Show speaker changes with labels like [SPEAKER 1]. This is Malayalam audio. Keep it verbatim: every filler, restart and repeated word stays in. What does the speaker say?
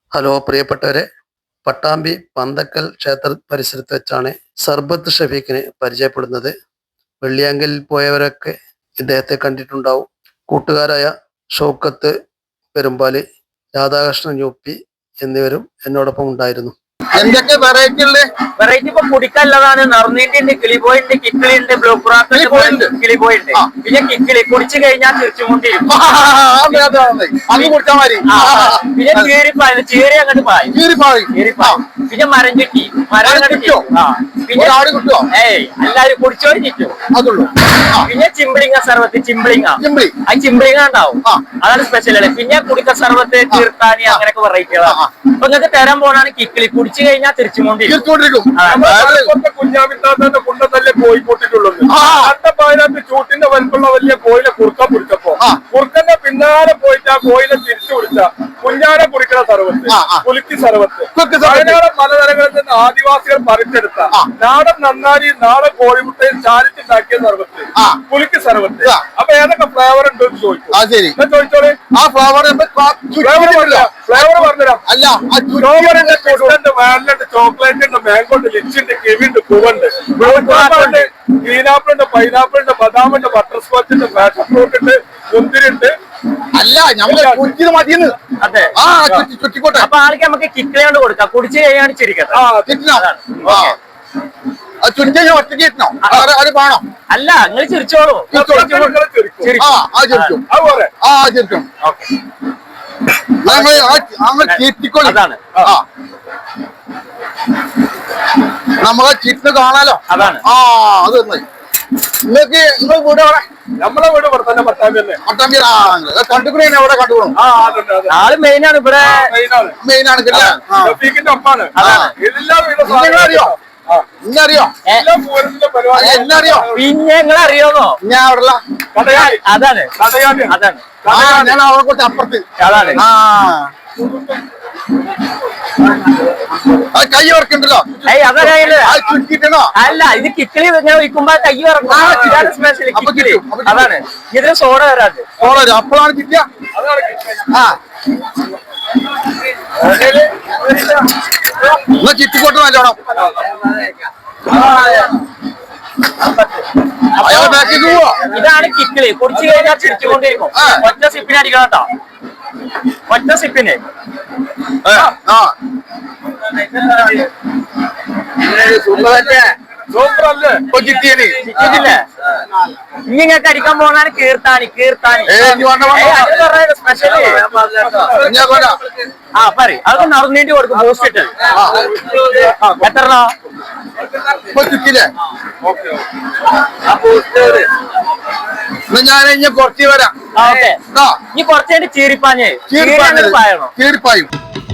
[SPEAKER 1] ഹലോ പ്രിയപ്പെട്ടവരെ, പട്ടാമ്പി പന്തക്കൽ ക്ഷേത്ര പരിസരത്ത് വെച്ചാണ് സർബത്ത് ഷഫീഖിനെ പരിചയപ്പെടുന്നത്. വെള്ളിയാങ്കലിൽ പോയവരൊക്കെ ഇദ്ദേഹത്തെ കണ്ടിട്ടുണ്ടാവും. കൂട്ടുകാരായ ഷൗക്കത്ത് പെരുമ്പാലി, രാധാകൃഷ്ണൻ യു പി എന്നിവരും എന്നോടൊപ്പം ഉണ്ടായിരുന്നു.
[SPEAKER 2] എന്തൊക്കെ വെറൈറ്റി ഉള്ള
[SPEAKER 3] വെറൈറ്റി ഇപ്പൊ കുടിക്കല്ലതാണ്. നറുനീന്റെ കിളിബോയിന്റെ കിക്കിളിന്റെ ബ്ലൂ ക്രാക്കിന്റെ കിളിബോയിണ്ട്. പിന്നെ കിക്കിളി കുടിച്ചു കഴിഞ്ഞാൽ തിരിച്ചുകൊണ്ടിരിക്കും. പിന്നെ ചീരിപ്പായ ചീരി അങ്ങോട്ട് പായും. ചീരിപ്പായും പിന്നെ മരം ചുറ്റി മരം കിട്ടോ. പിന്നെ ഏയ് എല്ലാരും കുടിച്ചോടി ചുറ്റും അതുള്ളൂ. പിന്നെ ചിമ്പിളിങ്ങ സർവത്ത് ചിമ്പിളിങ്ങ ആ ചിമ്പിളിങ്ങ ഉണ്ടാവും. അതാണ് സ്പെഷ്യൽ. പിന്നെ കുടിക്ക സർവത്ത് തീർത്താനി അങ്ങനെയൊക്കെ വെറൈറ്റികളാണ്. അപ്പൊ നിങ്ങൾക്ക് തരാൻ പോണാണ് കിക്കിളി. കുടിച്ചു കഴിഞ്ഞാൽ തിരിച്ചുകൊണ്ടിരിക്കും.
[SPEAKER 2] കുഞ്ഞാമിത്താത്തന്റെ കുണ്ടത്തല്ലേ കോഴി പൊട്ടിട്ടുള്ളത്. അതിനകത്ത് ചൂട്ടിന്റെ വലുപ്പുള്ള വലിയ കോയിലെ കുറുക്ക പിടിച്ചപ്പോ കുറുക്കന്റെ പിന്നാലെ പോയിട്ട് ആ കോയിലെ തിരിച്ചു പിടിച്ച കുഞ്ഞാനെ കുടിക്കുന്ന സർവത്ത്, പുലിക്ക് സർവത്ത്, വയനാടൻ മലനിരകളിൽ നിന്ന് ആദിവാസികൾ പറിച്ചെടുത്ത നാടൻ നന്നാരി നാടൻ കോഴിമുട്ടയിൽ ചാരിച്ചുണ്ടാക്കിയ സർവത്ത്, പുലിക്ക് സർവത്ത്. അപ്പൊ ഏതൊക്കെ ഫ്ലേവർ ഉണ്ട് എന്ന് ചോദിച്ചു. ചോദിച്ചോളെ ആ ഫ്ലേവർ ഫ്ലേവർ പറഞ്ഞുതരാം. അല്ല ചോക്ലേറ്റ് ഉണ്ട്, ചോക്ലേറ്റ് ഉണ്ട്, മാംഗോ ഉണ്ട്, ലിച്ചി ഉണ്ട്, കിവി ഉണ്ട്, പൂവുണ്ട്, ഉണ്ട്, ഗ്രീനാപ്പിൾ ഉണ്ട്, പൈനാപ്പിൾ ഉണ്ട്, ബദാം ഉണ്ട്, ബട്ടർ സ്കോച്ച് ഉണ്ട്, പാഷൻ ഫ്രൂട്ട് ഉണ്ട്, മുന്തിരി ഉണ്ട്. അല്ല ഞമ്മള് മതിയെന്ന്. അതെ ചുറ്റിക്കോട്ടെ.
[SPEAKER 3] അപ്പൊ ആൾക്ക് നമുക്ക് കിക്കിളി കൊണ്ട് കൊടുക്കാം. കുടിച്ചു കഴിയാണ് ചിരിക്കട്ടെ.
[SPEAKER 2] ചുറ്റി ഒറ്റയ്ക്ക് കിട്ടണോ അത് വേണോ?
[SPEAKER 3] അല്ല നിങ്ങൾ ചിരിച്ചോളൂ.
[SPEAKER 2] അതാണ് നമ്മളെ ചിറ്റ് കാണാലോ. അതാണ് ആ അത് നിങ്ങൾക്ക് നിങ്ങൾ വീട് അവിടെ നമ്മളെ വീട് ഇവിടെ തന്നെ പട്ടാമ്പി തന്നെ. പട്ടാമ്പി കണ്ടുപിടി എവിടെ കണ്ടുപോകണം.
[SPEAKER 3] ആള് മെയിനാണ് ഇവിടെ.
[SPEAKER 2] മെയിനാണ് ഒപ്പാണ്. അറിയോ ഇന്നറിയോ എന്നറിയോ
[SPEAKER 3] പിന്നെ നിങ്ങൾ അറിയോന്നോ?
[SPEAKER 2] ഞാൻ അവിടെ
[SPEAKER 3] അതാണ് അതാണ്
[SPEAKER 2] ഞാൻ അവരെ കുറച്ച് അപ്പുറത്ത്.
[SPEAKER 3] അതാണ്
[SPEAKER 2] ആ കൈ ഓർക്കണ്ടല്ലോ. ചുറ്റിട്ടോ.
[SPEAKER 3] അല്ല ഇത് കിക്കിളി ഇങ്ങനെ വയ്ക്കുമ്പോ കൈ ഓർക്കും. അതാണ് ഇതിന് സോഡ വരാത്.
[SPEAKER 2] സോഡ വരും അപ്പോഴാണ് കിട്ടിയ. ആ ചുറ്റിക്കോട്ട് നല്ലോണം.
[SPEAKER 3] ഇതാണ് കിക്കിളി. കുടിച്ചു കഴിഞ്ഞാൽ ചിരിച്ചുകൊണ്ടിരിക്കും. ഒറ്റ സിപ്പിന് അടിക്കണം കേട്ടോ. ഒറ്റ സിപ്പിന് ഇങ്ങനെയൊക്കെ അടിക്കാൻ പോകുന്നതാണ് കീർത്താനി. കീർത്താനി സ്പെഷ്യല്. ആ പറയും അത് നടന്നേണ്ടി കൊടുക്കും. ബൂസ്റ്റ് എത്ര
[SPEAKER 2] ഞാൻ ഇനി കുറച്ച് വരാം.
[SPEAKER 3] ഇനി കുറച്ചു ചീരിപ്പാഞ്ഞേ.
[SPEAKER 2] ചീരിപ്പായും